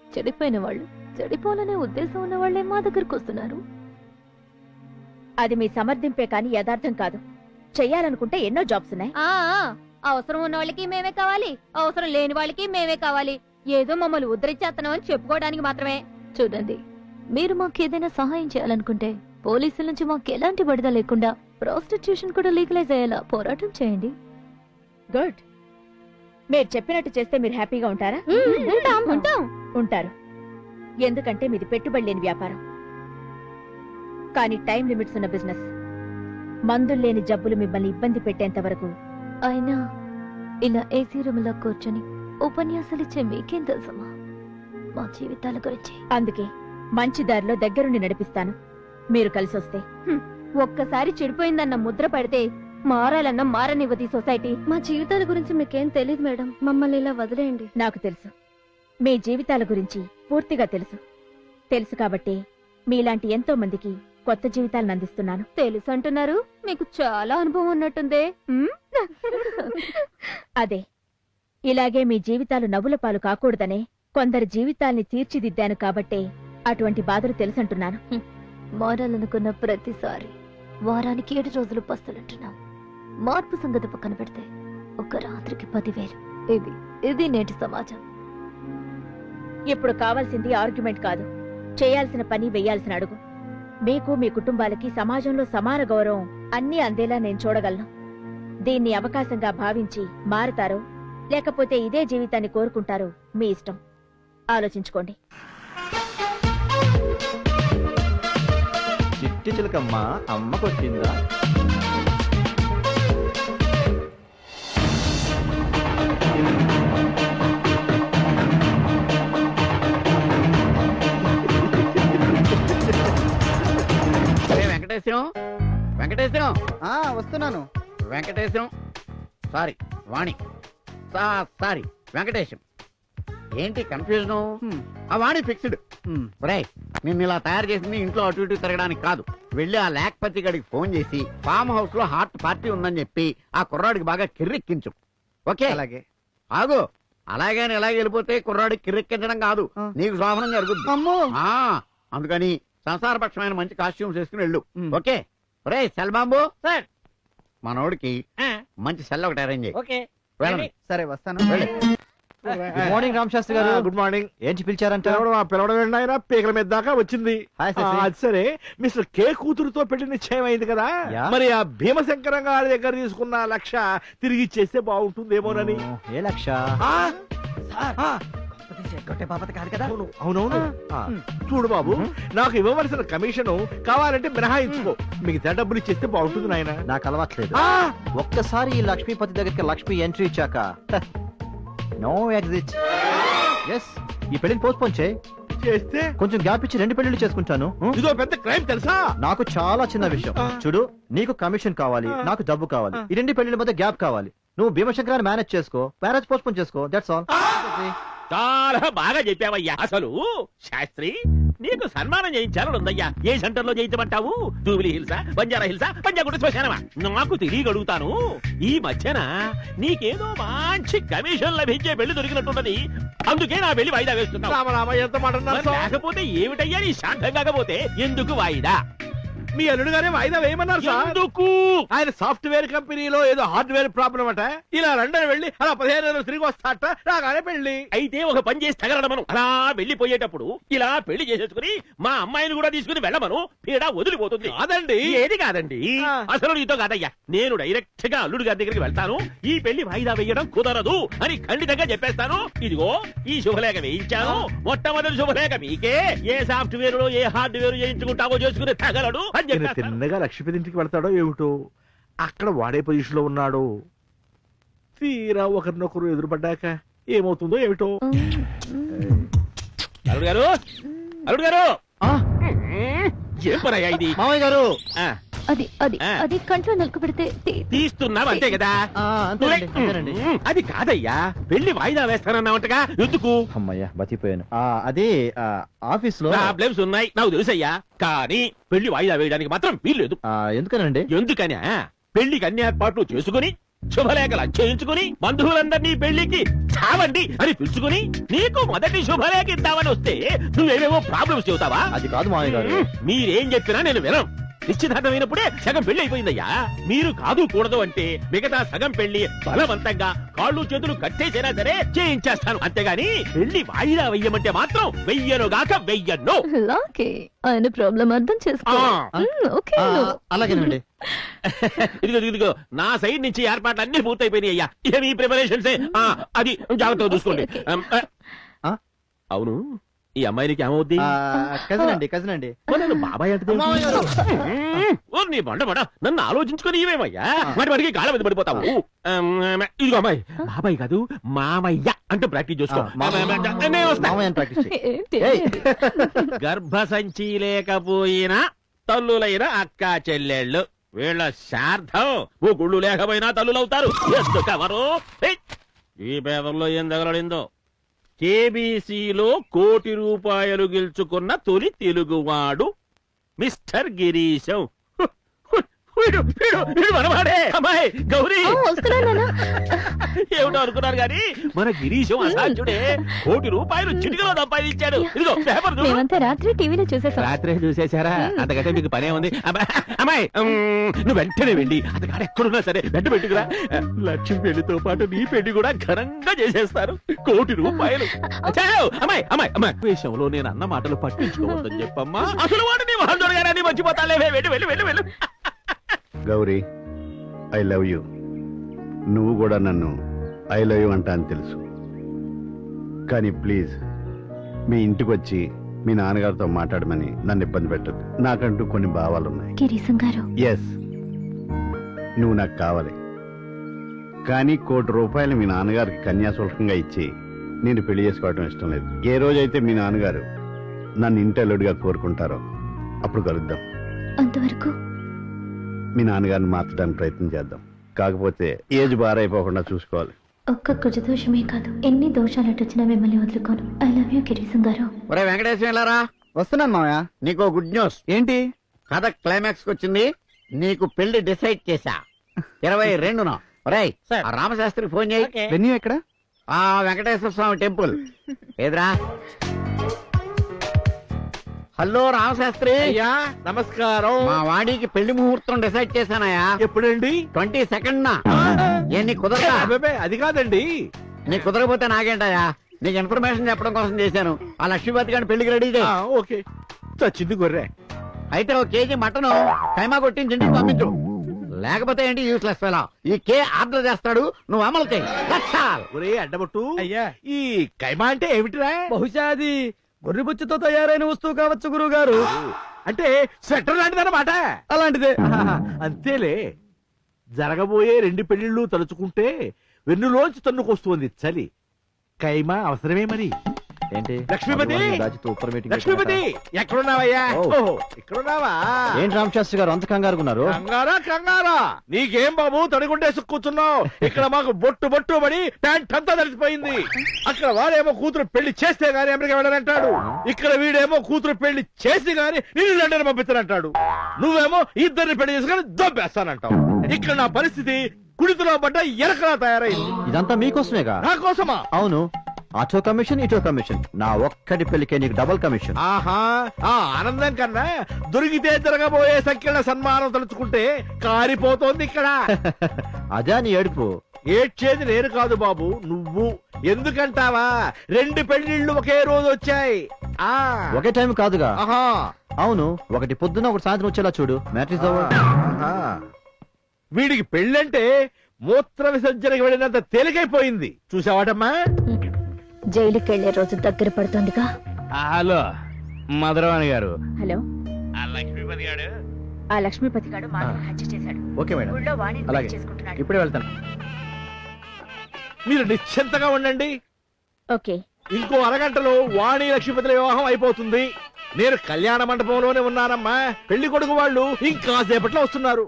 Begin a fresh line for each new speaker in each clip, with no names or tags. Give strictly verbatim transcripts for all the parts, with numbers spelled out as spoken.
చెడిపోయిన వాళ్ళు, చెడిపోవాలనే ఉద్దేశం ఉన్న వాళ్ళే మా దగ్గరకు వస్తున్నారు.
అది మీ సమర్థింపే కాని యథార్థం కాదు. చెయ్యాలనుకుంటే ఎన్నో జాబ్స్ ఉన్నాయి.
ఆ అవసరం ఉన్న వాళ్ళకి మేమే కావాలి, అవసరం లేని వాళ్ళకి మేమే కావాలి. ఏదో మమ్మల్ని ఉద్ధరించేస్తున్నాం అని చెప్పుకోవడానికి మాత్రమే. చూడండి, మీరు మాకు ఏదైనా సహాయం చేయాలనుకుంటే పోలీసుల నుంచి మాకు ఎలాంటి బడిద లేకుండా ప్రాస్టిట్యూషన్ కూడా లీగలైజ్ అయ్యేలా పోరాటం చేయండి.
గుడ్. మీరు చెప్పినట్టు చేస్తే మీరు హ్యాపీగా ఉంటారా?
ఉంటాం ఉంటాం
ఉంటారు. ఎందుకంటే మీది పెట్టుబడి లేని వ్యాపారం, కానీ టైం లిమిట్స్ ఉన్న బిజినెస్. మందులు లేని జబ్బులు మిమ్మల్ని ఇబ్బంది పెట్టేంత వరకు.
అయినా ఇలా ఏసీ రూమ్ లో కూర్చొని ఉపన్యాసాలు ఇచ్చే మీకేం తెలుసమ్మా మా జీవితాల గురించి?
అందుకే మంచి దారిలో దగ్గరుండి నడిపిస్తాను, మీరు కలిసి వస్తే.
ఒక్కసారి చెడిపోయిందన్న ముద్ర పడితే మారాలన్న మారనివ్వది సొసైటీ. మా జీవితాల గురించి మీకేం తెలియదు మేడం, మమ్మల్ని ఇలా వదిలేయండి.
నాకు తెలుసు, మీ జీవితాల గురించి పూర్తిగా తెలుసు. తెలుసు కాబట్టి మీలాంటి ఎంతో మందికి కొత్త జీవితాలను అందిస్తున్నాను.
తెలుసు అంటున్నారు, మీకు చాలా అనుభవం ఉన్నట్టుందే.
అదే, ఇలాగే మీ జీవితాలు నవ్వుల పాలు కాకూడదనే కొందరి జీవితాల్ని తీర్చిదిద్దాను కాబట్టే అటువంటి బాధలు తెలుసంటున్నాను.
మారాలనుకున్న ప్రతిసారి వారానికి ఏడు రోజులు పస్తులుంటున్నాం. మార్పు సంగతి పక్కన పెడితే ఒక రాత్రికి పదివేలు. ఇది ఇది నేటి సమాజం.
ఇప్పుడు కావాల్సింది ఆర్గ్యుమెంట్ కాదు, చేయాల్సిన పని వెయ్యాల్సిన అడుగు. మీకు, మీ కుటుంబాలకి సమాజంలో సమాన గౌరవం అన్నీ అందేలా నేను చూడగలను. దీన్ని అవకాశంగా భావించి మారతారో లేకపోతే ఇదే జీవితాన్ని కోరుకుంటారో మీ ఇష్టం. ఆలోచించుకోండి.
చిట్టి చిలకమ్మ అమ్మకొచ్చిందా?
వెంకటేశ్వరం, వెంకటేశ్వరం
వస్తున్నాను.
Venkateswaram sorry Vani sorry Venkatesam. ఏంటి కన్ఫ్యూజన్? ఆ వాణి ఫిక్స్డ్. ఒరేయ్, నిన్ను ఇలా తయారు చేసింది ఇంట్లో అటు ఇటు తిరగడానికి కాదు. వెళ్ళి ఆ లేఖపతి గడికి ఫోన్ చేసి ఫామ్ హౌస్ లో హార్ట్ పార్టీ ఉందని చెప్పి ఆ కుర్రాడికి బాగా కిర్రెక్కించు. ఓకే?
అలాగే.
ఆగు. అలాగే ఎలాగ వెళ్ళిపోతే కుర్రాడికి కిర్రెక్కించడం కాదు, నీకు శోభనం జరుగుతుంది. అందుకని సంసారపక్షమైన మంచి కాస్ట్యూమ్స్ వేసుకుని వెళ్ళు. ఓకే? ఒరే సెల్ బాంబు, మనోడికి మంచి సెల్ ఒకటి అరేంజ్ చేయి.
సరే వస్తాను. గుడ్ మార్నింగ్ రామ్ శాస్త్రి గారు.
Good morning.
ఏంటి పిలిచారంట?
పిలవడం ఏంటి ఆయన? పీకల మీద దాకా వచ్చింది. అది సరే, మిస్టర్ కే కూతురుతో పెళ్లి నిశ్చయం అయింది కదా, మరి ఆ భీమశంకరం గారి దగ్గర తీసుకున్న లక్ష తిరిగి ఇచ్చేస్తే బాగుంటుందేమోనని.
ఏ లక్ష?
అవునవును. చూడు బాబు, నాకు ఇవ్వవలసిన కమిషన్ కావాలంటే మినహాయించుకో, మిగతా డబ్బులు ఇచ్చేస్తే బాగుంటుంది నాయన.
నాకు అలవాట్లేదు. ఒక్కసారి ఈ లక్ష్మీపతి దగ్గరికి లక్ష్మి ఎంట్రీ ఇచ్చాక నో ఎగ్జిట్. ఎస్, ఈ పెళ్లిని పోస్ట్పోన్ చేయి.
చేస్తే
కొంచెం గ్యాప్ ఇచ్చి రెండు పెళ్లిళ్ళు చేసుకుంటాను.
ఇదో పెద్ద క్రైమ్ తెలుసా?
నాకు చాలా చిన్న విషయం. చూడు, నీకు కమిషన్ కావాలి, నాకు డబ్బు కావాలి. ఈ రెండు పెళ్లిళ్ళ మధ్య గ్యాప్ కావాలి. నువ్వు భీమశంకరాన్ని మేనేజ్ చేసుకో, మ్యారేజ్ పోస్ట్పోన్ చేసుకో. That's all.
చాలా బాగా చెప్పావయ్యా. అసలు శాస్త్రి, నీకు సన్మానం చేయించాలని ఉందయ్యా. ఏ సెంటర్ లో చేయించమంటావు? జూబిలీ హిల్సా, బంజారా హిల్సా, పంజాగుట్ట శ్మశానమా? నాకు తెలియగలుగుతాను. ఈ మధ్యన నీకేదో మంచి కమిషన్ లభించే పెళ్లి దొరికినట్టున్నది, అందుకే నా పెళ్లి వాయిదా వేస్తున్నావు.
ఎంత మాట
లేకపోతే ఏమిటయ్యా నీ శాంతం? కాకపోతే ఎందుకు వాయిదా?
మీ అల్లుడు గారే వాయిదా వేయమన్నారు సార్.
ఎందుకు?
ఆయన సాఫ్ట్వేర్ కంపెనీలో ఏదో హార్డ్వేర్ ప్రాబ్లం అట. ఇలా లండన్ వెళ్ళి అలా పదిహేను రోజులు తిరిగి వస్తాట. రాగానే పెళ్లి.
అయితే ఒక పని చేసి తగలడమను. అలా వెళ్లిపోయేటప్పుడు ఇలా పెళ్లి చేసేసుకుని మా అమ్మాయిని కూడా తీసుకుని వెళ్ళమను. పీడ వదిలిపోతుంది.
కాదండి.
ఏది కాదండి? అసలు నీతో కాదయ్యా. నేను డైరెక్ట్ గా అల్లుడు గారి దగ్గరికి వెళ్తాను. ఈ పెళ్లి వాయిదా వేయడం కుదరదు అని ఖండితంగా చెప్పేస్తాను. ఇదిగో ఈ శుభలేఖ వేయించాను. మొట్టమొదటి శుభలేఖ మీకే. ఏ సాఫ్ట్వేర్ లో ఏ హార్డ్వేర్ చేయించుకుంటావో చేసుకుని తగలడు.
తిన్నగా లక్ష్మీపతి ఇంటికి వెళ్తాడో ఏమిటో, అక్కడ వాడే పొజిషన్ లో ఉన్నాడు. తీరా ఒకరినొకరు ఎదురుపడ్డాక ఏమవుతుందో ఏమిటో.
అల్లుడు గారు, అల్లుడు గారు, ఏం పనయ్యా ఇది?
మామయ్య గారు,
అది అది అది కంట్లో నలుకు పెడితే
తీస్తున్నావు అంతే కదా? అది కాదయ్యా, పెళ్లి వాయిదా వేస్తానన్నావంటగా, ఎందుకు?
అమ్మయ్యా బతిపోయాను. అది ఆఫీస్ లో
ప్రాబ్లమ్స్ ఉన్నాయి నాకు తెలుసయ్యా, కానీ పెళ్లి వాయిదా వేయడానికి మాత్రం వీల్లేదు.
ఎందుకనండి?
ఎందుకని? పెళ్లికి అన్ని ఏర్పాట్లు చేసుకుని శుభలేఖలు చేయించుకుని బంధువులందరినీ పెళ్లికి చావండి అని పిలుచుకుని నీకు మొదటి శుభలేఖ ఇద్దామని వస్తే నువ్వేమేమో ప్రాబ్లమ్స్ చెబుతావా?
అది కాదు మామయ్య గారు.
మీరేం చెప్పినా నేను వినం. నిశ్చితార్థమైనప్పుడే సగం పెళ్లి అయిపోయిందయ్యా. మీరు కాదు కూడదు అంటే మిగతా సగం పెళ్లి బలవంతంగా కాళ్ళు చేతులు కట్టేసైనా సరే చేయించేస్తాను. అంతేగాని పెళ్లి వాయిదా వెయ్యమంటే మాత్రం వెయ్యనుగాక వెయ్యను.
ఓకే, ఆయన ప్రాబ్లం అర్థం చేసుకో. మ్, ఓకే
ఆ,
నువ్వు.
అలాగేనండి.
ఇదిగో ఇదిగో నా సైడ్ నుంచి ఏర్పాట్లు అన్ని పూర్తయిపోయినాయి అయ్యా. ఇక మీ ప్రిపరేషన్స్ అది జాగ్రత్తగా చూసుకోండి. అమ్, ఆ,
ఆ?
అవును, ఈ అమ్మాయినికి ఏమవుద్ది?
కజిన్ అండి కజిన్ అండి.
నేను బాబాయ్ అంటే నీ బండ బండ నన్ను ఆలోచించుకొని ఇవేమయ్యా వాటి వాడికి గాళ్ళ మీద పడిపోతావు. అమ్, ఇదిగో అమ్మాయి, బాబాయ్ కాదు మామయ్య అంటే ప్రాక్టీస్ చేసుకో.
ఆ, మామయ్య.
నేను వస్తా.
మామయ్య ప్రాక్టీస్ చేయి.
ఏంటి?
ఏయ్.
గర్భసంచి లేకపోయినా తల్లులైన అక్క చెల్లెళ్ళు వీళ్ళ శార్థం ఓ గుళ్ళు లేకపోయినా తల్లులవుతారు. ఎందుకెవరు? ఏయ్, ఈ పేపర్లో ఏం తగలడిందో. కేబీసీలో కోటి రూపాయలు గెలుచుకున్న తొలి తెలుగువాడు మిస్టర్ గిరీశం. వీడు వీడు వీడు మనవాడే. అమ్మాయి గౌరీ
ఆ, వస్తున్నాను నాన్న.
ఏమిటో అనుకున్నారు గాని మన గిరీశం అసాధ్యుడే. కోటి రూపాయలు చిటికలో సంపాదించాడు. ఇదిగో పేపర్ చూడు.
మేమంతా రాత్రి టీవీలో చూసేసాం.
రాత్రే చూసేశారా? అంతకంటే మీకు పనే ఉంది. అబ్బా, అమ్మాయి ఉమ్, నువ్వు వెంటనే వెళ్ళి అతగాడు ఎక్కడున్నా సరే వెంట పెట్టుకురా. లక్ష్మి పెళ్లితో పాటు నీ పెళ్లి కూడా ఘనంగా చేసేస్తారు. కోటి రూపాయలు. చాలు. అమ్మాయి అమ్మాయి అమ్మాయి విషయంలో నేను అన్న మాటలు పట్టించుకోవద్దని చెప్పమ్మా. అసలు వాడు నీ వాళ్ళు దొరగానే మర్చిపోతాలే. వెళ్ళి వెళ్ళి వెళ్ళి వెళ్ళు.
Gauri, I love you. నువ్వు కూడా నన్ను ఐ లవ్ యూ అంటా అని తెలుసు. కానీ ప్లీజ్ మీ ఇంటికి వచ్చి మీ నాన్నగారితో మాట్లాడమని నన్ను ఇబ్బంది పెట్టద్దు. నాకంటూ కొన్ని భావాలున్నాయి.
గిరీశం గారు,
ఎస్, నువ్వు నాకు కావాలి. కానీ కోటి రూపాయలు మీ నాన్నగారికి కన్యాశుల్కంగా ఇచ్చి నేను పెళ్లి చేసుకోవడం ఇష్టం లేదు. ఏ రోజైతే మీ నాన్నగారు నన్ను ఇంటల్లుడిగా కోరుకుంటారో అప్పుడు కలుద్దాం.
అంతవరకు
మీ నాన్నగారిని మార్చడానికి ప్రయత్నం చేద్దాం. కాకపోతే ఏజ్ బారైపోకుండా చూసుకోవాలి.
ఒక్క కుజదోషమే కాదు, ఎన్ని దోషాలు వచ్చినా మిమ్మల్ని వదులుకోను. ఐ లవ్ యూ గిరీశం గారు.
ఒరే వెంకటేశ్వర వెళ్ళారా?
వస్తున్నాను మామయ్య.
నీకు గుడ్ న్యూస్.
ఏంటి?
కథ క్లైమాక్స్ వచ్చింది. నీకు పెళ్లి డిసైడ్ చేశా. ఇరవై రెండున. ఒరేయ్, ఆ రామశాస్త్రికి ఫోన్ చేయి.
వెన్యూ ఎక్కడ?
ఆ వెంకటేశ్వర స్వామి టెంపుల్. ఏదిరా? హలో రామశాస్త్రి.
అయ్యా నమస్కారం.
మా వాడికి పెళ్లి ముహూర్తం డిసైడ్ చేశానయ్యా.
ఎప్పుడండి?
ట్వంటీ సెకండ్ నా. ఏ నీ కుదరదా?
అబ్బే, అది కాదండి.
నీ కుదరకపోతే నాకేంటయ్యా? నీకు ఇన్ఫర్మేషన్ చెప్పడం కోసం చేశాను. ఆ లక్ష్మీపతి గారిని పెళ్లికి రెడీ చేయి.
ఆ, ఓకే. చచ్చింది గొర్రె.
అయితే ఒక కేజీ మటన్ కైమా కొట్టించి ఇంటికి పంపించు. లేకపోతే ఏంటి యూస్లెస్ ఫెలో. ఈ కే ఆర్డర్ చేస్తాడు, నువ్వు అమలు చేయి. లక్షాల్.
ఒరే అడ్డబొట్టు, అయ్యా ఈ కైమా అంటే ఏమిటిరా?
బహుశా అది గొర్రెబుచ్చుతో తయారైన వస్తువు కావచ్చు గురువు గారు.
అంటే స్వెటర్ లాంటిదన్నమాట.
అలాంటిదే.
ఆహాహా, అంతేలే. జరగబోయే రెండు పెళ్లిళ్ళు తలుచుకుంటే వెన్నులోంచి తన్నుకొస్తుంది చలి. కైమా అవసరమే మరి.
ఏంటి?
లక్ష్మీపతి!
రాజుతో ఉప్పర్ మీటింగ్
లక్ష్మీపతి ఎక్కడున్నావయ్యా?
ఓ.
ఓహో, ఇక్కడున్నావా?
ఏంటి రామశాస్త్రి గారు అంత కంగారు ఉన్నారు?
కంగారా కంగారా నీకేం బాబు, తడిగుండేసి కూర్చున్నావు. ఇక్కడ మాకు బొట్టు బొట్టు పడి ప్యాంట్ అంతా తడిసిపోయింది. అక్కడ వాడేమో కూతురు పెళ్లి చేస్తే గానీ అమెరికా వెళ్ళనంటాడు. ఇక్కడ వీడేమో కూతురు పెళ్లి చేసి గానీ నేను లండన్ పంపిస్తానంటాడు. నువ్వేమో ఇద్దరిని పెళ్లి చేసుకుని దొబ్బేస్తానంటావు. ఇక్కడ నా పరిస్థితి కుడితిలో పడ్డ ఎరకలా తయారైంది.
ఇదంతా మీకోసమేగా?
నా కోసమా?
అవును. అటో కమిషన్ ఇటో కమిషన్. నా ఒక్కటి పెళ్లికే నీకు డబుల్ కమిషన్.
ఆహా, ఆ ఆనందం కన్నా దొరికితే జరగబోయే సంకీర్ణ సన్మానం తలుచుకుంటే కారిపోతోంది ఇక్కడ.
అదే నీ ఏడుపు.
ఏడ్చేది నేను కాదు బాబు, నువ్వు. ఎందుకంటావా? రెండు పెళ్లిళ్ళు ఒకే రోజు వచ్చాయి. ఆ
ఒకే టైం కాదుగా?
ఆహా,
అవును, ఒకటి పొద్దున్న ఒకటి సాయంత్రం వచ్చేలా చూడు. మ్యాట్రిస్
ఆహా. వీడికి పెళ్ళంటే మూత్ర విసర్జనకి వెళ్ళినంత తేలికైపోయింది. చూసావాటమ్మా?
జైలుకి వెళ్లే రోజు దగ్గర పడుతోందిగా.
హలో మధురవాణి గారు.
హలో,
ఆ లక్ష్మీపతి గాడు
ఆ లక్ష్మీపతి గారు మాటను హత్య చేశాడు.
ఓకే మేడం,
ఊళ్ళో వాణిని
అలాగే.
పెళ్లి చేసుకుంటున్నాడు.
ఇప్పుడే వెళ్తాను.
మీరు నిశ్చింతగా ఉండండి.
ఓకే.
ఇంకో అరగంటలో వాణి లక్ష్మీపతుల వివాహం అయిపోతుంది. నేను కళ్యాణ మండపంలోనే ఉన్నానమ్మా. పెళ్లి కొడుకు వాళ్ళు ఇంకా సేపట్లో వస్తున్నారు.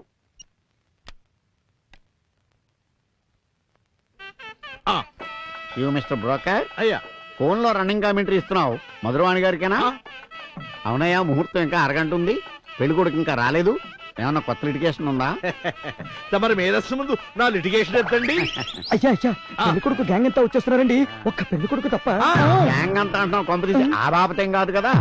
ఆ,
యూ మిస్టర్ బ్రోకర్,
అయ్యా
ఫోన్ లో రన్నింగ్ కామెంటరీ ఇస్తున్నావు. మధురవాణి గారికేనా?
ఆ,
అవునయ్యా, ముహూర్తం ఇంకా అరగంట ఉంది. పెళ్లి కొడుకు ఇంకా రాలేదు. ఏమన్నా కొత్త లిటిగేషన్ ఉందా?
తమరి మేధస్సు ముందు నా లిటిగేషన్ ఎత్తండి.
అయ్యా అయ్యా పెళ్లి కొడుకు గ్యాంగ్ అంతా వచ్చేస్తున్నారండి, ఒక్క పెళ్లి కొడుకు తప్ప.
గ్యాంగ్ అంతా అంటున్నావు, కొంపదీసి ఆ బాపతేం కాదు కదా.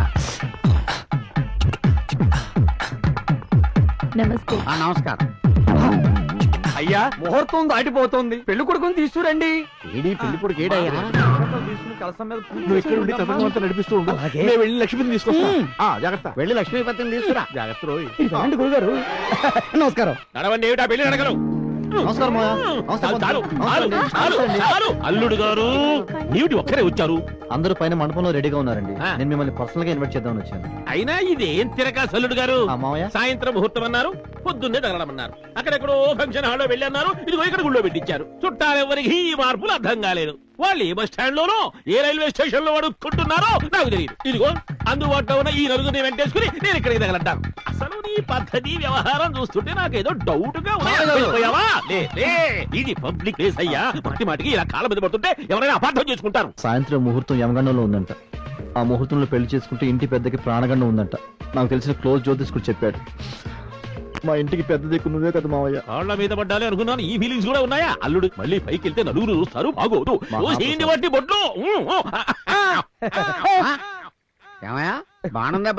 నమస్తే.
ఆ, నమస్కారం.
అయ్యా ముహూర్తం దాటిపోతుంది, పెళ్లి కొడుకుని తీసుకురండి.
ఏడీ పెళ్లి కొడుకు ఏడయ్యా?
నువ్వు ఇక్కడ ఉండి తతంగం నడిపిస్తూ ఉండు.
అలాగే.
నేను వెళ్ళి లక్ష్మిని తీసుకొస్తా. ఆ, జాగ్రత్త.
వెళ్ళి లక్ష్మీపతిని తీసుకురా.
జాగ్రత్త రోయ్.
ఇదండి గురుగారు. నమస్కారం.
నడవండి, ఏమిటా పెళ్లి నడకలు?
నమస్కారం మావయ్య. నమస్తే
చాలు,
పంతులు.
చాలు,
నమస్తే అండి.
చాలు,
నమస్తే అండి.
చాలు. అల్లుడు గారు ఏమిటి ఒక్కరే వచ్చారు?
అందరూ పైన మండపంలో రెడీగా ఉన్నారండి.
ఆ.
నేను మిమ్మల్ని పర్సనల్ గా ఇన్వైట్ చేద్దామని వచ్చాను.
అయినా ఇదేం తిరగా అల్లుడు గారు?
ఆ, మావయ్య
సాయంత్రం ముహూర్తం అన్నారు, పొద్దున్నే తగలమన్నారు. అక్కడెక్కడో ఫంక్షన్ హాల్లో వెళ్ళన్నారు, ఇదిగో ఇక్కడ గుళ్ళో పెట్టించారు. చుట్టాలెవరికి ఈ మార్పులు అర్థం కాలేదు. వాళ్ళు ఏ బస్ స్టాండ్ లోనో ఏ రైల్వే స్టేషన్ లో అడుక్కుంటున్నారో నాకు తెలియదు. ఇదిగో అందుబాటులో ఉన్న ఈ నలుగురిని వెంటేసుకుని నేను ఇక్కడికి తగలంటాను. అసలు నీ పద్ధతి వ్యవహారం చూస్తుంటే నాకేదో డౌట్ గా ఉంది. వెళ్ళిపోయావా? లే, లే. ఇది పబ్లిక్ ప్లేస్ అయ్యా. మాటి మాటికి ఇలా కాళ్ళ మీద పడుతుంటే ఎవరైనా అపార్థం చేసుకుంటారు.
సాయంత్రం ముహూర్తం యమగండంలో ఉందంట. ఆ ముహూర్తంలో పెళ్లి చేసుకుంటే ఇంటి పెద్దకి ప్రాణగండం ఉందంట. నాకు తెలిసిన క్లోజ్ జ్యోతిష్కుడు చెప్పాడు. మా ఇంటికి పెద్ద దిక్కు నువ్వే కదా మావయ్య.
కాళ్ళ మీద పడ్డాలి అనుకున్నాను, ఈ ఫీలింగ్స్ కూడా ఉన్నాయా? అల్లుడు మళ్ళీ పైకి వెళ్తే నలుగురు చూస్తారు, బాగోదు.
మహాప్రసాదం.
బట్టి బొట్లు.
ఏమయ్యా బాణం దెబ్బ